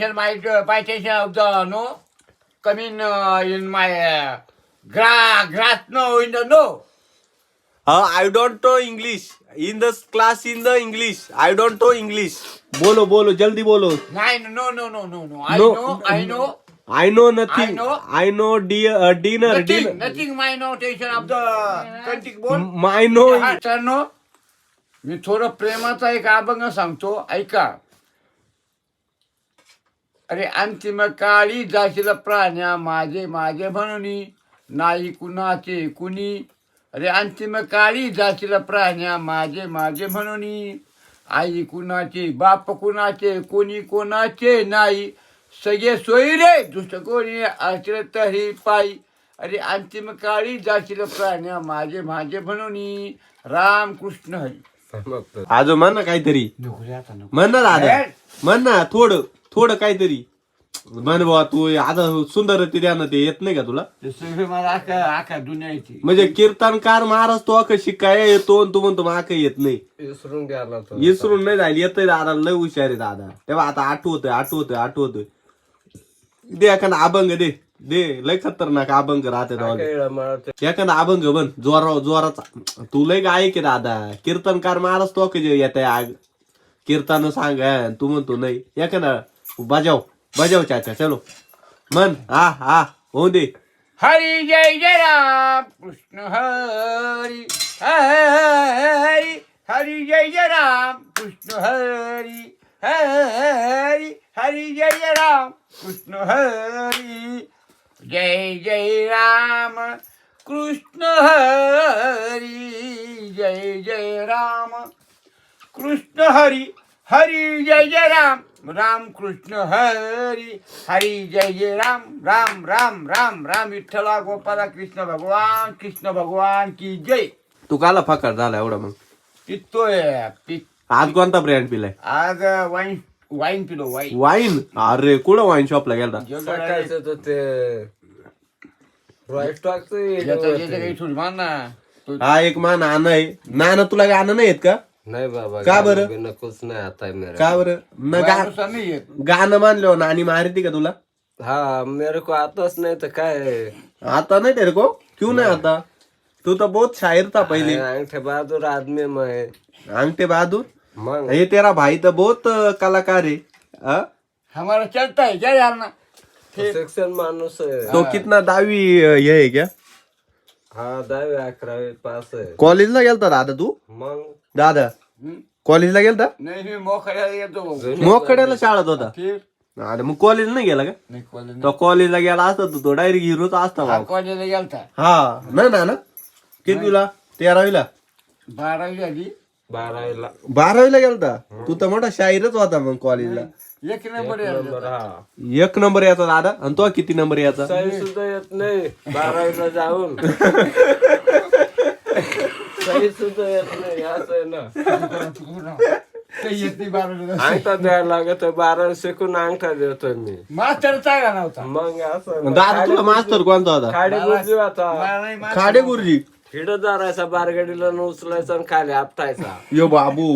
My citation of the no coming in my grass no in the no. I don't know English. In the class in the English. I don't know English. बोलो बोलो जल्दी बोलो. Nine no. No, I know. I know nothing. I know. Dinner. Nothing my notation of the country board. I know. No. मी थोडं प्रेमाचा एक अभंग सांगतो ऐका. अरे अंतिम काळी जाशील प्राण्या माझे माझे म्हणून नाही कुणाचे कुणी. अरे अंतिम काळी जाशील प्राण्या माझे माझे म्हणून आई कुणाचे बाप कुणाचे कोणी कोणाचे नाही. सगळे सोयी रे दुसरं कोणी असलं तरी पायी. अरे अंतिम काळी जाशील प्राण्या माझे माझे म्हणून राम कृष्ण हरी. आजो म्हण ना काहीतरी म्हण ना दादा म्हण ना थोडं काहीतरी म्हण बाबा तू आता सुंदर ते द्या ना ते येत नाही का तुला मला आका दुनियाची म्हणजे कीर्तनकार महाराज तो अक शिकाय येतो तू म्हणतो माक येत नाही विसरून नाही जाईल येतोय दादा लय हुशार आहे दादा तेव्हा आता आठवतोय दे एखादा अभंग दे लय खतरनाक अभंग राहते एखादा अभंग बन जोराचा तू लय गायक आहे दादा कीर्तनकार महाराज तो येत कीर्तन सांग तू म्हणतो नाही एखादा बजाव चाचा चलो मन हा हो दे. हरी जय जय राम कृष्ण हरी हरी हरी जय जय राम कृष्ण हरी हरी हरी जय जय राम कृष्ण हरी. जय जय राम कृष्ण हरी जय जय राम कृष्ण हरी हरी जय जय राम राम कृष्ण हरी हरी जय जय राम राम राम राम राम विठ्ठला गोपाला कृष्ण भगवान की जय. तू काला फकार झाला एवढा मग पितोय आज कोणता ब्रँड पिलाय आज वाईन पिलो वाईन अरे कुठं वाईन शॉपला गेला हा एक मा नाना आहे नाना तुला गाणं नाही येत का नाही बाबा का बरं नकोच नाही आता मेरे का बरं गाणं मानलो नानी मारती का तुला हाँ मेरे को आताच नहीं तो काय आता नहीं तेरे को क्यों नहीं आता तू तो बहुत शायर था पहले अंगठे बहादुर आदमी मैं अंगठे बहादुर मंग ये तेरा भाई तो बहुत कलाकार है हमारा चलता है क्या यार ना शिक्षण माणूस है तो कितना दावी ये है क्या हाँ 10वी 11वी पास है कॉलेजला गेलता दादा तू मग दादा कॉलेजला गेलता नाही मी मोकळ्याला येतो मोकड्याला शाळेत होता फिर अरे मग कॉलेज नाही गेला का नाही कॉलेज तो कॉलेजला गेला असता तो डायरेक्ट हिरोच असता भाऊ. कॉलेजला गेलता हा नाही ना कितीला 13वीला 12वी झाली 12वीला गेलता तू तर मोठा शाहीरच होता मग कॉलेजला एक नंबर एक नंबर याचा दादा आणि तो किती नंबर याचा सही सुद्धा येत नाही 12वीला जाऊन सही सुद्धा येत नाही असं आहे ना अंगठा द्यायला लागत 12 शिकून अंगठा देतोय मी मास्टर चांगला नव्हता मग असं दादा तुला मास्तर कोणता होता खाडे गुरुजी होता खाडे गुरुजी हिडत जारायचा बारगडीला उचलायचा आणि खाली आपटायचा यो बाबू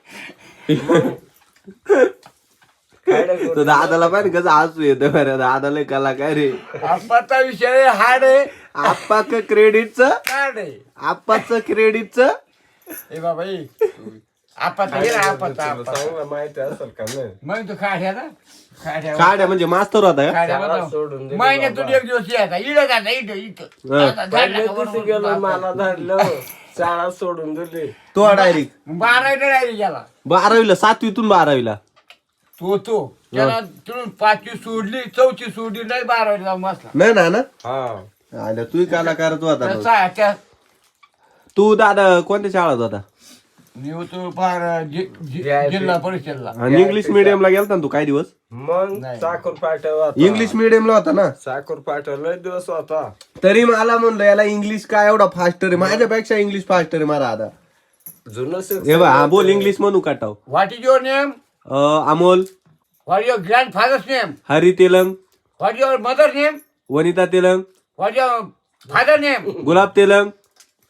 तो दादाला पाहिजे कसं हसू येतं बरं दादाला कलाकार रे आप्पाचा विषय हार्ड आहे आप्पाच क्रेडिटचं हार्ड आहे आप्पाचं क्रेडिटचं ए बाबा आप्पाचा गेला आप्पाचा चांगलं माहिती असेल का नाही मग तू खाड्या ना खाड्या म्हणजे मास्तर होता का शाळा सोडून दिली महिन्यातून एक दिवस यायचा इथं जायचा इथं पहिल्या दिवशी गेलो मला धरलं शाळा सोडून दिली तो डायरेक्ट 12वीला डायरेक्ट गेला 12वीला 7वीतून 12वीला तो त्याला तिथून 5वी सोडली 4थी सोडली नाही 12वीला जाऊन बसला नाही ना हा आलं तू कलाकारच होता मग. त्या तू दादा कोणत्या शाळेत होता मी होतो फार जिल्हा परिषदला आणि इंग्लिश मिडियमला गेलता ना तू काही दिवस मग साखर पाठव इंग्लिश मिडियमला होता ना साखर पाठवला दिवस होता तरी मला म्हणलं याला इंग्लिश काय एवढा फास्टर आहे माझ्यापेक्षा इंग्लिश फास्टर आहे मला आता जुनं हा बोल इंग्लिश म्हणू काटाव what is your name Amol what your grandfather's name Hari Telang what your mother name Vanita Telang what your father name Gulab Telang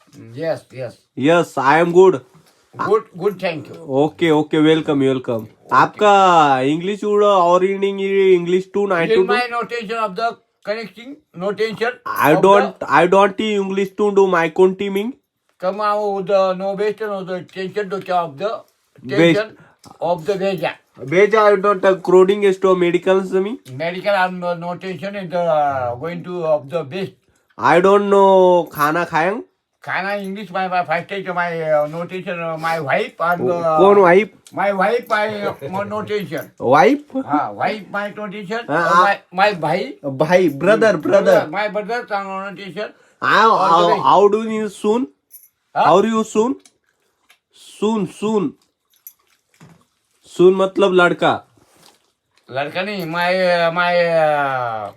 yes yes yes I am good good thank you okay welcome आपका इंग्लिश उड और in English two nine two In my notation of the connecting notation. I don't English to do my continuing. Come out the novation of the tension of the tension of the Veja. Beja I don't coding is to medicals me. Medical and notation is the going to of the best. I don't know खाना खाएं. Kana English my first stage my notation my wife and Kaun wife? my wife my notation. Wife? Wife my notation. Ah, My bhai. भाई brother. My brother notation. How do you soon? How are you soon? Soon. Soon मतलब लड़का. लड़का नहीं my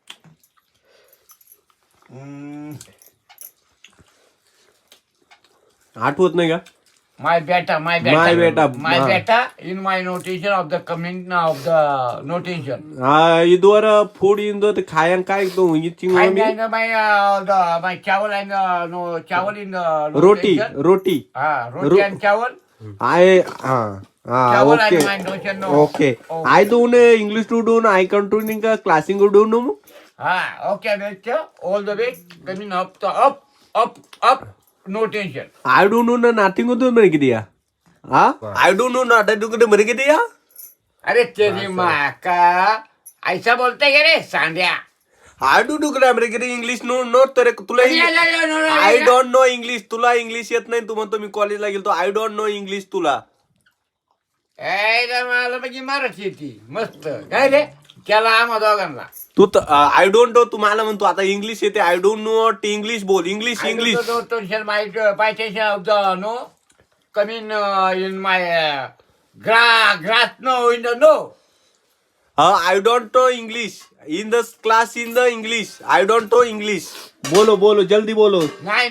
आठवत नाही का? my beta My beta. my beta in my notation of the comment of the notation. इदवर food इंदो ते खायन काय तो इचिंग I मी know my chawal and no chawal in the roti notation. Roti. Roti and chawal. I Chawal and okay. my notation no. Okay. I don't English to do I continuing classing to do no. Okay, Victor. All the way coming up the up notation. I don't know nothing to do मेरे दिया. I don't know nothing to do मेरे दिया. अरे तेरी माँ का ऐसा बोलते क्या रे Sandiya? I do मेरे के English no तेरे तुला I don't know English तुला इंग्लिश येत नाही तू म्हणतो मी कॉलेजला गेलो I don't know English तुला. मला म्हणजे मराठी येते मस्त काय रे त्याला आम्हा दोघांना तू आय डोंट नो तुम्हाला म्हणतो आता इंग्लिश येते आय डोंट नो इंग्लिश बोल English of the no coming in my grass no in the no I don't know English in the class in the English I don't know English बोलो जल्दी बोलो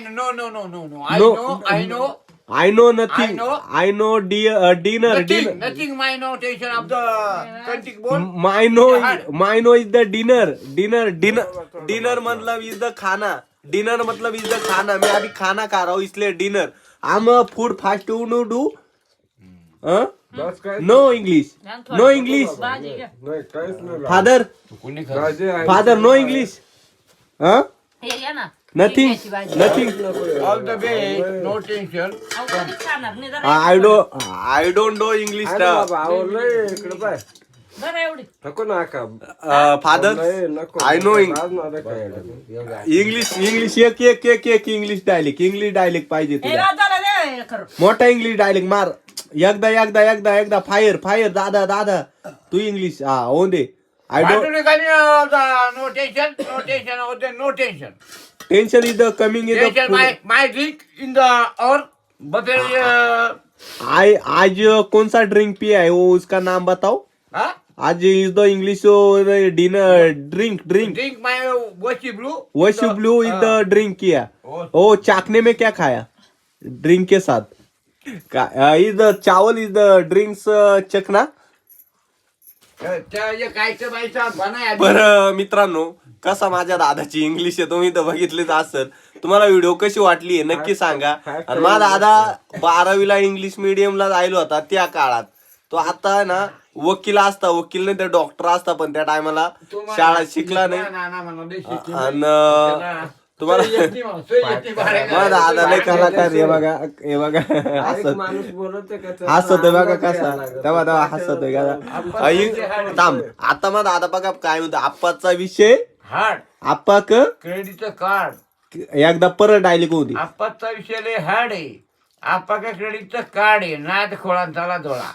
no I know I know nothing. I know. I know dinner. nothing my notation of the country board. My know is the dinner. Dinner मतलब is the खाना. Dinner मतलब is the खाना. मैं अभी खाना खा रहा हूँ इसलिए dinner. I'm a food fast to do. No English. No English. नाही काहीच नाही Father no English. हे घ्या ना Nothing. All the way notation. I don't know English. बाबा आवडलंय इकडे पाय बरं एवढी नको नाका Father, नको I know English. English एक English dialect पाहिजे हे तुला. राजाला दे खरं मोठा इंग्लिश डायलेक्ट मार एकदा फायर दादा तू इंग्लिश होऊन दे I don't Notation of the notation. Tension is the coming is Notation my drink in the or buffet. आज कौन सा ड्रिंक पिया है वो उसका नाम बताओ. आज is the English dinner drink Drink my washy blue. Wash blue is the drink किया. ओ चाकने में क्या खाया ड्रिंक के साथ is the chawal is the drinks chakna. बरं मित्रांनो कसा माझ्या दादाची इंग्लिश आहे तुम्ही तर बघितलीच असेल. तुम्हाला व्हिडिओ कशी वाटली आहे नक्की सांगा. आणि माझा दादा 12वीला इंग्लिश मिडियमला जायला होता त्या काळात. तो आता ना वकील नाही तर डॉक्टर असता पण त्या टायमाला शाळा शिकला नाही. आणि तुम्हाला माझा दादा लय कलाकार हे बघा माणूस बोलत हसतोय बघा कसा तेव्हा हसतोय का थांब. आता माझा दादा बघा काय म्हणतो आप्पाचा विषय आप्पा क्रेडिटचं कार्ड एकदा परत डायलेक्ट होती. आप्पाचा विषय लय हार्ड आहे. आप्पा का क्रेडिटचं कार्ड आहे नाद खोळांचा धोळा.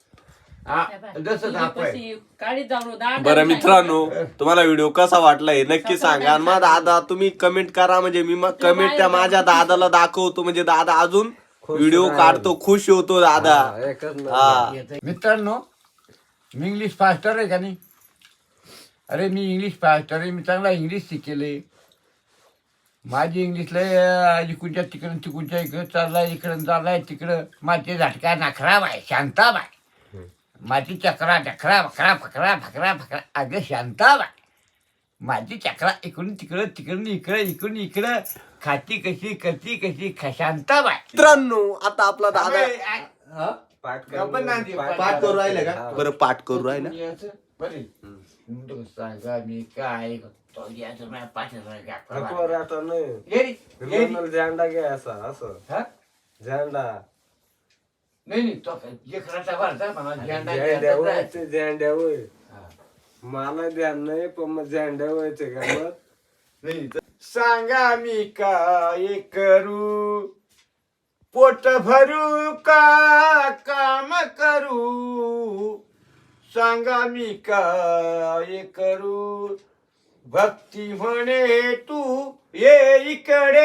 काळी जाऊन बरं मित्रांनो तुम्हाला व्हिडिओ कसा वाटला हे नक्की सांगा. आणि माझा दादा तुम्ही कमेंट करा म्हणजे मी मग कमेंट त्या माझ्या दादाला दाखवतो म्हणजे दादा अजून व्हिडिओ काढतो खुश होतो दादा. हा मित्रांनो मी इंग्लिश फास्टर आहे का नाही. अरे मी इंग्लिश फास्टर आहे. मी चांगला इंग्लिश शिकेले. माझी इंग्लिशला इकडच्या तिकडच्या इकडं चाललाय तिकडं माझे झटका नखरा बाय शांता बाय माझी चक्रा ढकरा भकरा फकरा भकरा भकरा अगं शांता बाय माझी चक्रा इकडून तिकडून इकडं खाती कशी करती कशी शांता बाय. मित्रांनो आता आपला दादा पाठ गप्पा नाही ती, पाठ करू राहिलं का हा. बरं पाठ करू राहिलं याचं बरे म्हणतो सांगा मी काय करतो याचं माझ्या पाठीला नको रे, आता नाही येरी येरी मला झेंडा घ्यायचा असं हा झेंडा नाही नाही तो लेकराचा भरता मला झेंडा झेंड्या घ्यायचा होय आहे. ते झेंड्या होय हा. मला ध्यान नाही पण मग झेंड्या व्हायचे का मग नाही सांगा मी काय करू पोट भरू का काम करू सांगा मी काय करू भक्ती म्हणे तू ये इकडे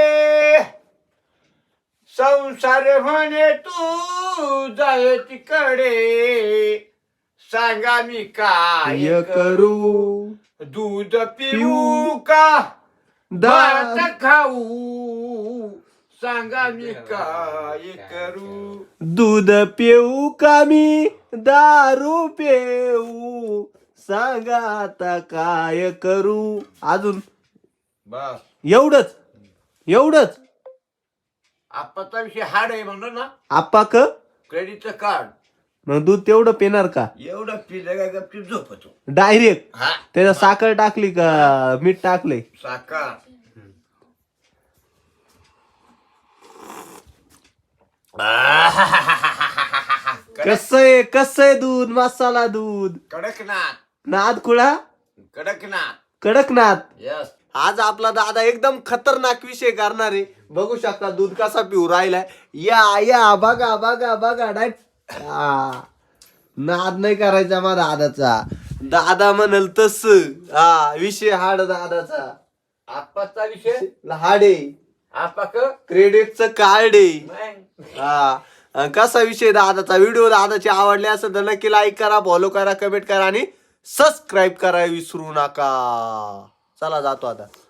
संसार म्हणे तू जाय तिकडे सांगा मी काय य करू करू दूध पिऊ का भात खाऊ सांगा मी काय करू दूध पिऊ का मी दारू पिऊ सांगा आता काय करू अजून बस एवढंच एवढंच आपाचा विषय हार्ड आहे म्हणलं ना आप्पा क क्रेडिटचं कार्ड मग दूध तेवढं पिणार का एवढं पिलं का गपची झोपतो डायरेक्ट हा त्याच्यात साखर टाकली का मीठ टाकलंय साखर कसं आहे दूध मसाला दूध कडकनाथ नाद कुळा कडकनाथ कडकनाथ यस आज आपला दादा एकदम खतरनाक विषय करणार आहे बघू शकता दूध कसा पिऊ राहिलाय या या बघा बघा बघा नाद नाही करायचा माझा दादाचा दादा म्हणल तस हा विषय हाड दादाचा आपाचा विषय हाड आहे आपाक क्रेडिटचं कार्ड आहे हा कसा विषय दादाचा व्हिडिओ दादाचे आवडले असेल तर नक्की लाईक करा फॉलो करा कमेंट करा आणि सबस्क्राईब करा विसरू नका चला जातो आता